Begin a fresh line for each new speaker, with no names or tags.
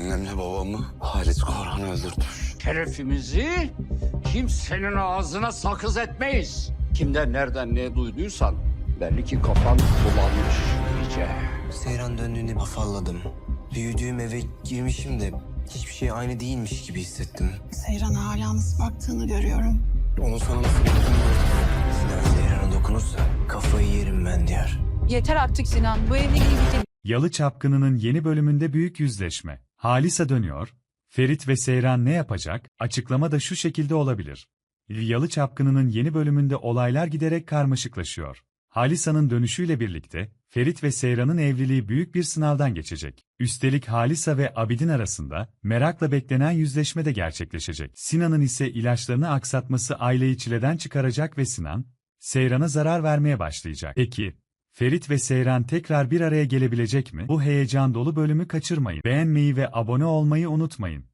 Annemle babamı Halit Korhan öldürtmüş.
Şerefimizi kimsenin ağzına sakız etmeyiz. Kimden nereden ne duyduysan belli ki kafan bulanmış iyice.
Seyran döndüğünde afalladım. Büyüdüğüm eve girmişim de hiçbir şey aynı değilmiş gibi hissettim.
Seyran'a hala nasıl baktığını görüyorum.
Onun sana nasıl baktığını gördüm. Sinan Seyran'a dokunursa kafayı yerim ben diyor.
Yeter artık Sinan. Bu evle ilgili
Yalı Çapkını'nın yeni bölümünde büyük yüzleşme. Halisa dönüyor. Ferit ve Seyran ne yapacak? Açıklama da şu şekilde olabilir. Yalı Çapkını'nın yeni bölümünde olaylar giderek karmaşıklaşıyor. Halisa'nın dönüşüyle birlikte Ferit ve Seyran'ın evliliği büyük bir sınavdan geçecek. Üstelik Halisa ve Abidin arasında merakla beklenen yüzleşme de gerçekleşecek. Sinan'ın ise ilaçlarını aksatması aileyi çileden çıkaracak ve Sinan, Seyran'a zarar vermeye başlayacak. Peki, Ferit ve Seyran tekrar bir araya gelebilecek mi? Bu heyecan dolu bölümü kaçırmayın. Beğenmeyi ve abone olmayı unutmayın.